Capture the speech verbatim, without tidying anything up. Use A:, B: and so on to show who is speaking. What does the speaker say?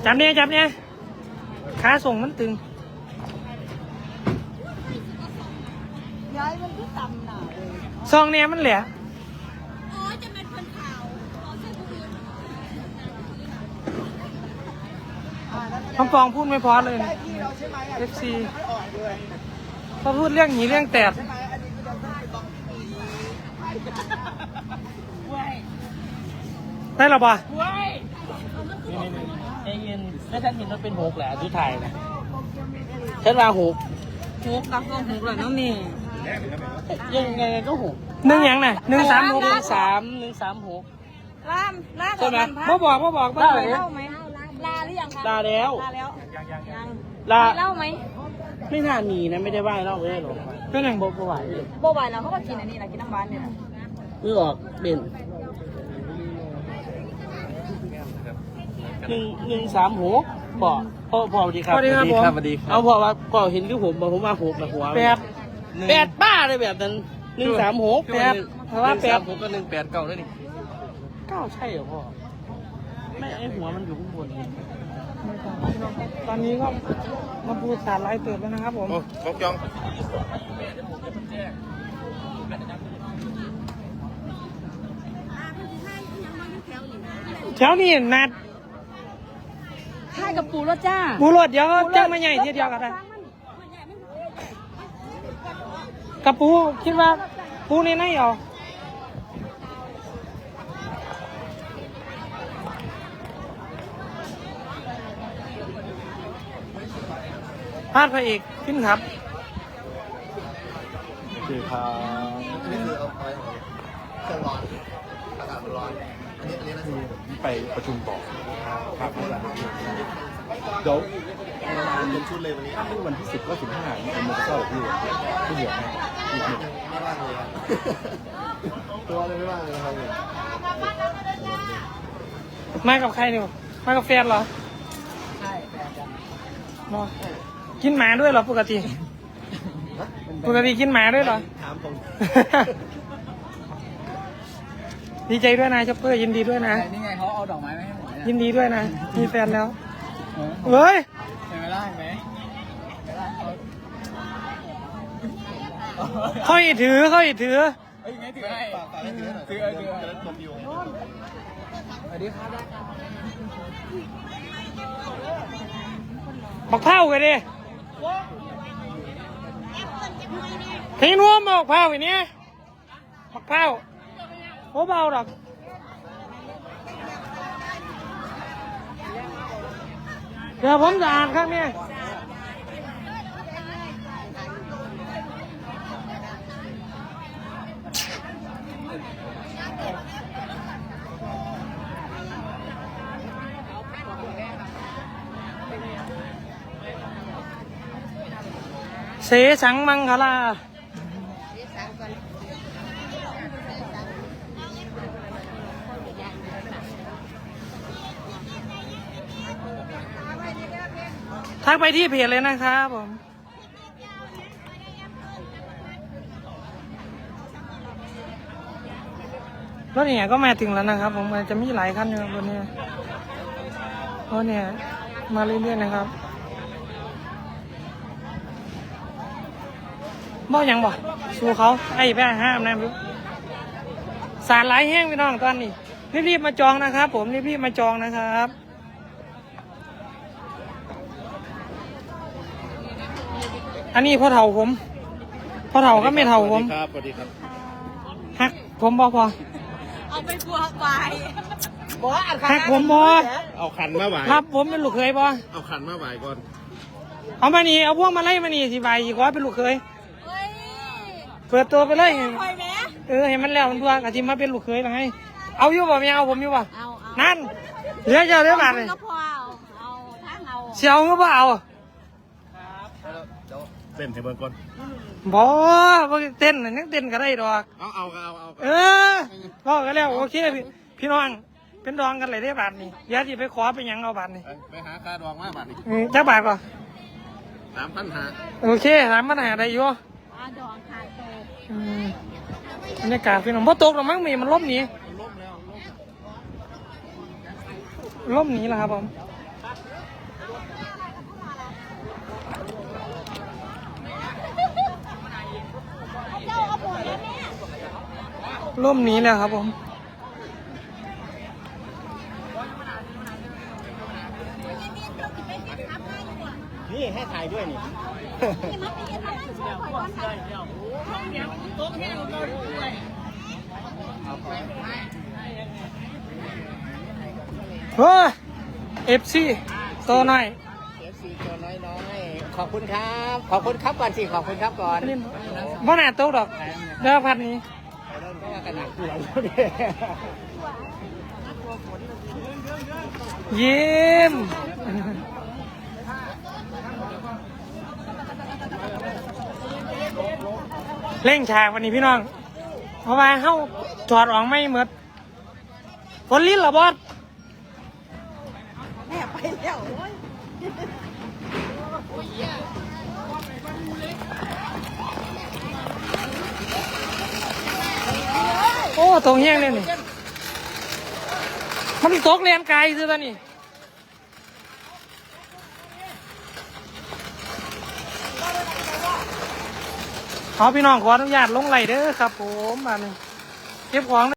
A: จับเนี่ยจับเนี่ยขาส่งมันตึง
B: ย้ายมันที่ต่ำหนาเลย
A: ซองเนี่ยมันแหละ
B: อ๋อจะเป็นคนขาวอ๋อใช่ผู้หญิง
A: คำฟองพูดไม่พอเลยเอฟซีพอพูดเรื่องหนีเรื่องแตดได้หรอปะ
C: ใจเย็นแล้วฉันเห็นมันเป็นหกแหละทุกไทยนะฉันว่าหก
B: หกกับหกหกเลยน้องนี่
C: ยังไงก็หก
A: หนึ่งยังไงหนึ่งสามหก
C: หนึ่งสามหนึ่งสามหก
B: ล่ามล่า
C: ใช่ไหม
A: บ่บอกบ่บอก
B: ล่าเล่าไหมลาหรือยังคะ
C: ลาแล้ว
B: ลาแล้วยังยัง
C: ลา
B: เล่าไหม
C: ไม่น่ามีนะไม่ได้ไหว้เล่าไม่ได้หรอก
A: เป็นยัง
C: โบโบไหวเลย
B: โบไหวแล้วเขาก็กินอันนี้แหละกินน้ำหวานเนี่ย
C: มือออกเบนหนึ่งหนึ่งสามหกพ่อพ่อพ่อสวัสดีครับ
A: สวัสดีครับผม
C: เอาพ่อว่าพ่อเห็นคือผมบอกผมว่าหกนะหัว
A: แปด
C: แปดบ้าเลยแบบนั้นหนึ่งสามหก
A: แปดเพราะว่าแปด
C: ผมก็หนึ่งแปดเก้าแล้วนี่เก้าใช่เหรอพ่อไม่ไอหัวมันอยู่ข้างบน
A: ตอนนี้ก็มาพูดสารไล่เติบแล้วนะครับผม
D: ครบจอง
A: แถวนี้นัด
B: ค่ายกับปูรถจ้า
A: ปูรถเดี๋ยวเจ้ามาใหญ่ทีเดียวกันได้กับปูคิดว่าปูในไหนเอาพาดพระเอกขึ้นครับ
D: คือครับนี่คือเอาไปเครื่องร้อนอากาศมันร้อนอันนี้อันนี้นะคือไปประชุมต่อครับเดี๋ยวเป็นชุดเลยวันนี้วันที่สิบก็สิบห้ามีโมเดลที่ที่เหลือให้อีกหนึ่งไม่ว่างเลยครับตัวเลยไม่ว่างเลยครับ
A: มากับใครเนี่ยมากับแฟนเหรอ
B: ใช่แฟนจ้ะ
A: กินหมาด้วยเหรอปกติปกติกินหมาด้วยเหรอ
D: ถามผม
A: ดีใจด้วยนะช็อปเปอร์ยินดีด้วยนะ
C: นี่ไงเขาเอาดอกไม้มาให้ผม
A: ยินดีด้วยนะมีแฟนแล้วเฮ้ย
C: เห็นไหมล่ะเห็นไหม
A: เขาอีถือเขาอีถือ
C: เฮ้ยไงถือให้ถือถือถือจบอยู่สวัสดีครับ
A: บักเผากันดิทิ้งนัวมาบักเผาอย่างนี้บักเผาโอ้เบาหรอกเดี๋ยวผมจะอ่านครับเนี่ยเสสังมังคลาทักไปที่เพจเลยนะครับผมรถเนี่ยก็มาถึงแล้วนะครับผมมันจะมีหลายคันอยู่บนนี้รถเนี่ยมาเรื่อยๆนะครับบ่ยังบ่สู้เขาไอ้แพ้ห้ามนะพี่สารไหลแห้งพี่น้องตอนนี้รีบๆมาจองนะครับผมรีบๆมาจองนะครับอันนี้พ่อเฒ่าผมพ่อเฒ่าก็ไม่เฒ่าผม
D: ครับสวัสดีครับ
A: ฮักผมบ่พอ
B: เอาไปบัวไปบ่
A: ฮักผมบ่
D: เอาขันมาไหว
A: ครับผมเป็นลูกเคยบ่
D: เอาขันมาไหวก่อน
A: เอามานี่เอาพวกมาไล่มานี่สิใบอีกว่าเป็นลูกเคยเปิดตัวไปเลยเออเห็นมันแล้วมันตัวกะทิมาเป็นลูกเคยหรือไงเอาอยู่บ่ไม่เอาผมอยู่บ่นั่นเหลือเจ้าเรื่องอะไรเชียวก็บ่เอา
D: เต้นให้เบิ่งก่อน
A: บ่บ่เต้นนั่งเต้นก็ได้ดอก
D: เอาเอาเอาเอา
A: เออพ่อกันแล้วโอเคพี่พี่น้องเป็นดองกันเลยได้บาทนี่เดี๋ยวที่ไปขอไปยังเอาบาทนี่
D: ไปหาค่าดองมาบาทนี่
A: เจ้าบาทก่อน
D: สามพันหา
A: โอเคสามพันหาได้อยู่
B: ดองขายโต
A: บรรยากาศพี่น้องพอตกหรอมั้งมีมันล่มหนีล่มหนีแล้วครับผมร่มนี้แล้วครับผม
C: นี่ให้ถ่ายด้วยนี่
A: เฮ้ยเอฟซีตัวหน่อย
C: เอฟซีตัวน้อยๆขอบคุณครับ ขอบคุณครับก่อนสิขอบคุณครับก่อน
A: บ่น่าตกดอกเด้อพัดนี้
C: เริ่มก็ว่ากันหนักหัว
A: ยิ้มเล่งฉากวันนี้พี่น้อง เพราะว่าเฮาถอดออกไม่หมดฝนลิ้นเหรอบอสแม่ไปแล้วโอ้ตรงแห้งเลยนี่มันตกแรงไกลซื้อตอนนี้ขอพี่น้องขออนุญาตลงไหลเด้อครับผมมาหนึ่งเก็บของ